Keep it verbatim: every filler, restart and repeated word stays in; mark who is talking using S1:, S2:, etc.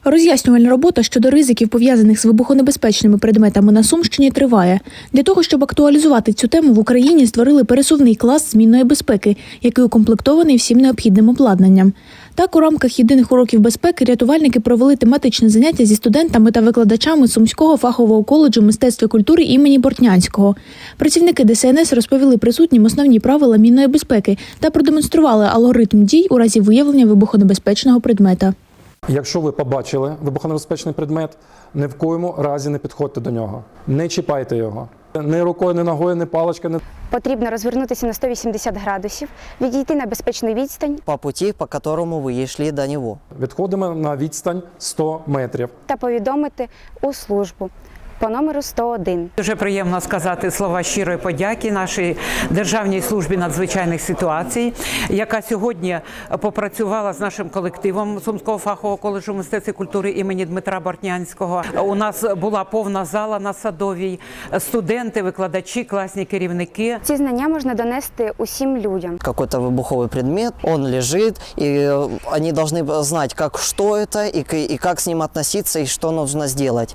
S1: Роз'яснювальна робота щодо ризиків, пов'язаних з вибухонебезпечними предметами на Сумщині, триває. Для того, щоб актуалізувати цю тему, в Україні створили пересувний клас змінної безпеки, який укомплектований всім необхідним обладнанням. Так, у рамках єдиних уроків безпеки рятувальники провели тематичне заняття зі студентами та викладачами Сумського фахового коледжу мистецтв і культури імені Бортнянського. Працівники Де Ес Ен Ес розповіли присутнім основні правила мінної безпеки та продемонстрували алгоритм дій у разі виявлення вибухонебезпечного предмета.
S2: Якщо ви побачили вибухонебезпечний предмет, ні в коєму разі не підходьте до нього. Не чіпайте його. Ні рукою, ні ногою, ні паличкою. Ні...
S3: Потрібно розвернутися на сто вісімдесят градусів, відійти на безпечну відстань
S4: по путі, по якому ви йшли до нього.
S2: Відходимо на відстань сто метрів.
S3: Та повідомити у службу по номеру сто один.
S5: Дуже приємно сказати слова щирої подяки нашій Державній службі надзвичайних ситуацій, яка сьогодні попрацювала з нашим колективом Сумського фахового коледжу мистецтв і культури імені Дмитра Бортнянського. У нас була повна зала на Садовій, студенти, викладачі, класні керівники.
S3: Ці знання можна донести усім людям.
S4: Какой-то вибуховий предмет, он лежит, и они должны знать, как, что это, и, и как с ним относиться, и что нужно сделать.